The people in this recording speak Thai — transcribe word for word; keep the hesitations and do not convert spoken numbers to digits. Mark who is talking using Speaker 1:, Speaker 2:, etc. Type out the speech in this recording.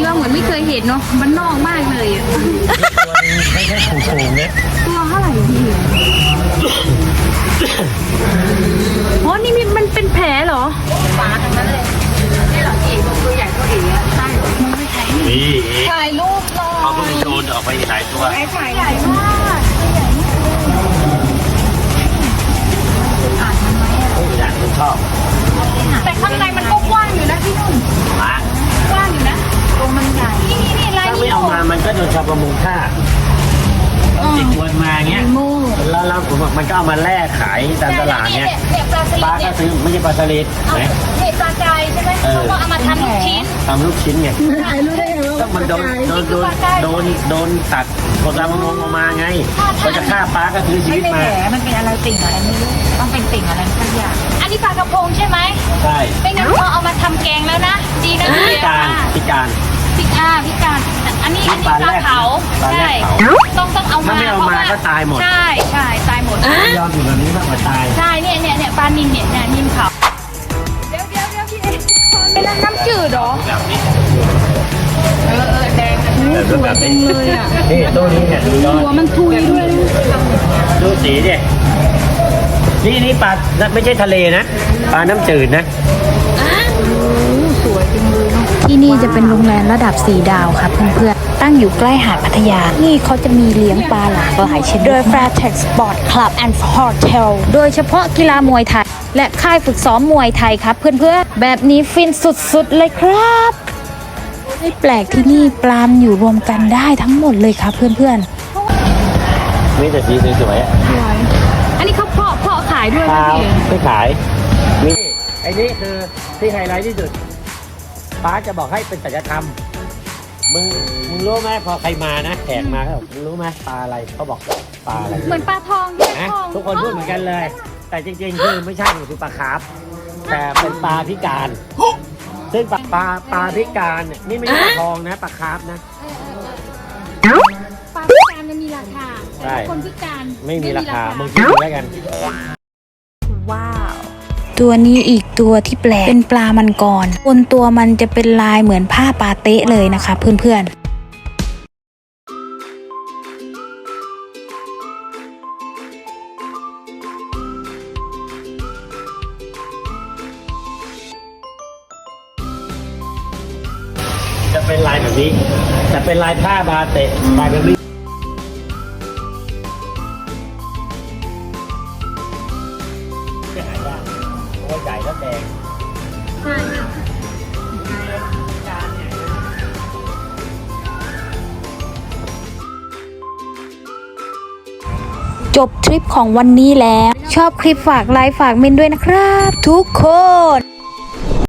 Speaker 1: ว่าเหมือนไม่เคยเห็นเนาะมันนอกมากเลยอะ
Speaker 2: ตัวนึงไม่ใช่ผูกๆเนี่ย
Speaker 1: ตัวเท่าไหร่พี่อ๋อนี่มันเป็นแผลเหรอปลาทั้งนั้นเลยนี่เหรอพี่ตัวใหญ่ตัวเอ๋อะใช่มันไม่ใช่
Speaker 2: นี่
Speaker 1: ถ่ายรูปเลย
Speaker 2: เขาเพิ่งโดนออกไปหลายตัว
Speaker 1: ถ่ายใหญ่มากใหญ่มากอ่านมันไหมอะ
Speaker 2: อยากคุณชอบ
Speaker 1: แต่ข้างในมันก็กว้างอยู่นะพี่นุ่น
Speaker 2: มาก
Speaker 1: ว้างอยู่นะตรงมันใหญ่นี่นี่นี่ลาย
Speaker 2: ถ้า
Speaker 1: นี้
Speaker 2: ไม่เอามามันก็โดนชาวประมงฆ่าติดวนมาเงี้ย
Speaker 1: โม่
Speaker 2: แล้วแล้วผมบอกมันก็เอามาแลกขายตามตลาดเนี้ย
Speaker 1: เนี่ยปลาสลิ
Speaker 2: ปลา
Speaker 1: ด
Speaker 2: ก็
Speaker 1: เนี่ย
Speaker 2: ซื้อไม่ใช่ปลาสลิด
Speaker 1: เอา
Speaker 2: ไหม
Speaker 1: เนี่ยปลากายใช่ไหมเขาก็เอามาทำลูกชิ้น
Speaker 2: ทำลูกชิ้นไง
Speaker 1: ถ่ายรูปได้ไง
Speaker 2: ก็มันโดนโดนโดนโดนโดนตัดคนตามประมงออกมาไงก็จะฆ่าปลาก็ซื้อชีวิตมา
Speaker 1: มันเป็นอะไรติ่งอะไรไม่รู้ต้องเป็นติ่งอะไรสักอย่างอันนี้ปลากระพงใช่ไหม
Speaker 2: ใช่
Speaker 1: ไม่งั้นเขาเอามาทำแกงแล้วนะดีนะ
Speaker 2: พิการพิการ
Speaker 1: พิการพิการอันนี้อันนี้
Speaker 2: ป
Speaker 1: ป
Speaker 2: ลา
Speaker 1: ลา
Speaker 2: แรก
Speaker 1: เผา
Speaker 2: ปลาแร
Speaker 1: ใช่
Speaker 2: กเผา
Speaker 1: ต้องต้องเอามา
Speaker 2: ถ้าไม่เอามาก็ตายหมด
Speaker 1: ใช่ใช่ตายหมด
Speaker 2: ยอมอยู่แบบนี้มากกว่าตาย
Speaker 1: ใช่เนี่ยเนี่ยเนี่ยปลานิลเนี่ยเนี่ยนิลเผาเดี๋ยวเดี๋ยวเดี๋ยวพี่เอ๊ะเป็นน้ำจืดเหรอ
Speaker 2: แบบนี้
Speaker 1: เออเออแดงสวยจังเลยอ่ะ
Speaker 2: นี่ตัวนี้เนี่ยดูยอด
Speaker 1: หัวมันทุยด้วย
Speaker 2: ดูสีดินี่นี่ปลาไม่ใช่ทะเลนะปลาน้ำจืดนะ
Speaker 1: สวยจังเลยเนาะ
Speaker 3: ที่นี่จะเป็นโรงแรมระดับสี่ดาวครับเพื่อนๆ ตั้งอยู่ใกล้หาดพัทยา นี่เขาจะมีเลี้ยงปลาหลากหลายชนิดโดย Fairtex Sport Club and Hotel โดยเฉพาะกีฬามวยไทย และค่ายฝึกซ้อมมวยไทยครับเพื่อนๆ แบบนี้ฟินสุดๆเลยครับไม่แปลกที่นี่ปลามอยู่รวมกันได้ทั้งหมดเลยครับเพื่อนๆ
Speaker 2: มีแต่สีสวยๆอ่ะ
Speaker 1: สวยอันนี้เขาเพาะเพาะขายด้วย
Speaker 2: เป
Speaker 1: นะ
Speaker 2: ล่า
Speaker 1: พี่
Speaker 2: ไม่ขายนี่ไอ้นี่คือที่ไฮไลท์ที่สุดป้าจะบอกให้เป็นศัลยธรรมมึงมึงรู้ไหมพอใครมานะแขกมาเขาบอกมึงรู้ไหมปลาอะไรเขาบอกปลาอะไร
Speaker 1: เหมือนปลาทองที่
Speaker 2: นะ
Speaker 1: ทอง
Speaker 2: ทุกคนพูดเหมือนกันเลย แต่จริงๆคือไม่ใช่คือปลาคาร์ฟแต่เป็นปลาพิการ ซึ่งปลาปลาปลาพิการเนี่ยนี่ไม่ใช่ปลาทองนะปลาคาร์ฟนะ
Speaker 1: ปลาพิการมันมีราคา
Speaker 2: ใช่
Speaker 1: แต่คนพิการ
Speaker 2: ไม่มีราคามึงคิดดูแล้วกัน
Speaker 3: ว้าว ตัวนี้อีกตัวที่แปลกเป็นปลามันกรบนตัวมันจะเป็นลายเหมือนผ้าปาเต๊ะเลยนะคะเพื่อนๆ
Speaker 2: จะเป็นลายแบบนี้แต่เป็นลายผ้าบาเตะลายแบบนี้จะหายากเพราะว่าใหญ่แล้วแดง
Speaker 1: ใช่ค่ะ
Speaker 3: จบทริปของวันนี้แล้ว ชอบคลิปฝากไลค์ฝากเมนด้วยนะครับ ทุกคน